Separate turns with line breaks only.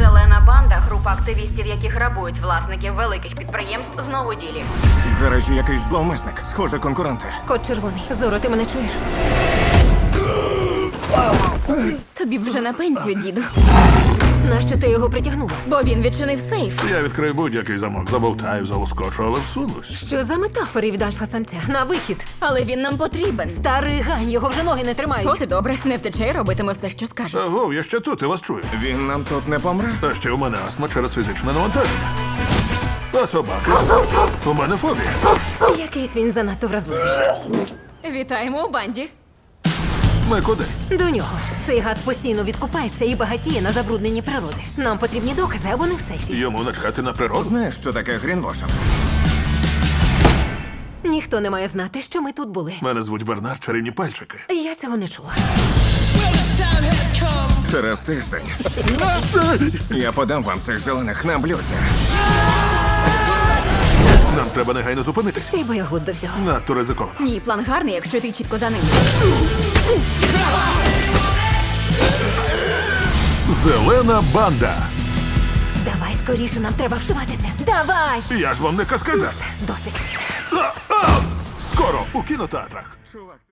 Зелена банда, група активістів, які грабують власників великих підприємств, знову у ділі.
В гаражі якийсь зловмисник. Схоже, конкуренти.
Кот червоний. Зоро, ти мене чуєш?
Тобі б вже на пенсію, діду.
Нащо ти його притягнула?
Бо він відчинив сейф.
Я відкрию будь-який замок, забовтаю, залоскочу, але всунусь.
Що за метафори від альфа-самця? На вихід.
Але він нам потрібен.
Старий гань, його вже ноги не тримають.
От і добре, не втече і робитиме все, що скажуть.
Аго, я ще тут, я вас чую.
Він нам тут не помре?
А ще у мене астма через фізичне навантаження. А собаки? У мене фобія.
Якийсь він занадто вразливий.
Вітаємо у банді.
Ми куди?
До нього. Цей гад постійно відкупається і багатіє на забрудненні природи. Нам потрібні докази, а вони в сейфі.
Йому начхати на природу?
Знаєш, що таке грінвошинг?
Ніхто не має знати, що ми тут були.
Мене звуть Бернард, чарівні пальчики.
Я цього не чула.
Через тиждень я подам вам цих зелених на блюді.
Нам треба негайно зупинитись.
Ще й боягуз до всього.
Надто ризиковано.
Ні, план гарний, якщо ти чітко за ним.
Зелена банда.
Давай скоріше, нам треба вшиватися. Давай!
Я ж вам не каскадер.
Досить.
Скоро у кінотеатрах.
Чувак.